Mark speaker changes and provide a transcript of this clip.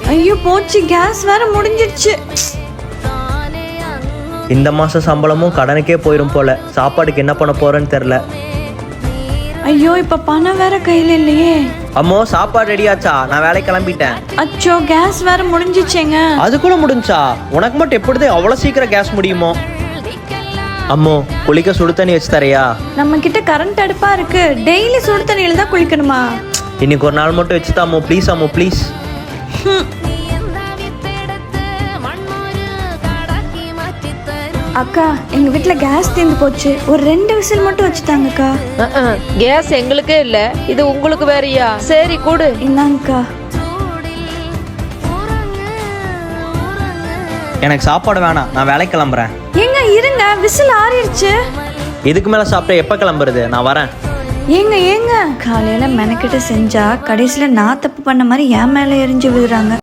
Speaker 1: ஐயோ போச்சு, கேஸ் வேற முடிஞ்சிடுச்சு.
Speaker 2: இந்த மாசம் சம்பளமும் கடனுக்கே போயிடும் போல. சாப்பாடுக்கு என்ன பண்ண போறேன்னு தெரியல.
Speaker 1: ஐயோ இப்ப பணம் வேற கையில இல்லையே.
Speaker 2: அம்மோ சாப்பாடு ரெடியாச்சா? நான் வேலை கிளம்பிட்டேன்.
Speaker 1: அச்சோ கேஸ் வேற முடிஞ்சிச்சேங்க.
Speaker 2: அது கூட முடிஞ்சா? உனக்கு மட்டும் எப்படி அவ்வளவு சீக்கிரம் கேஸ் முடியுமோ? அம்மோ குளிக்க சுடு தண்ணி வச்சு தரையா?
Speaker 1: நம்ம கிட்ட கரண்ட் அடுப்பா இருக்கு. டெய்லி சுடு தண்ணியில தான் குளிக்கணுமா?
Speaker 2: இன்னைக்கு ஒரு நாள் மட்டும் வச்சுதா அம்மோ, ப்ளீஸ் அம்மோ ப்ளீஸ்.
Speaker 1: அக்கா எங்க வீட்டுல கேஸ் தீர்ந்து போச்சு. ஒரு 2 விசில் மட்டும் வச்சுட்டாங்கக்கா.
Speaker 3: கேஸ் எங்களுக்கே இல்ல, இது உங்களுக்கு வேறயா? சரி கூடு.
Speaker 1: இந்தாங்கக்கா.
Speaker 2: எனக்கு சாப்பாடு வேணாம், நான் வேலை கிளம்புறேன்.
Speaker 1: ஏங்க இருங்க, விசில் ஆறிடுச்சு.
Speaker 2: இதுக்கு மேல சாப்பிட்டா எப்ப கிளம்புறது? நான் வரேன்.
Speaker 1: ஏங்க காலையில மெனக்கிட்ட செஞ்சா கடைசியில நான் தப்பு பண்ண மாதிரி என் மேல எரிஞ்சு விழுறாங்க.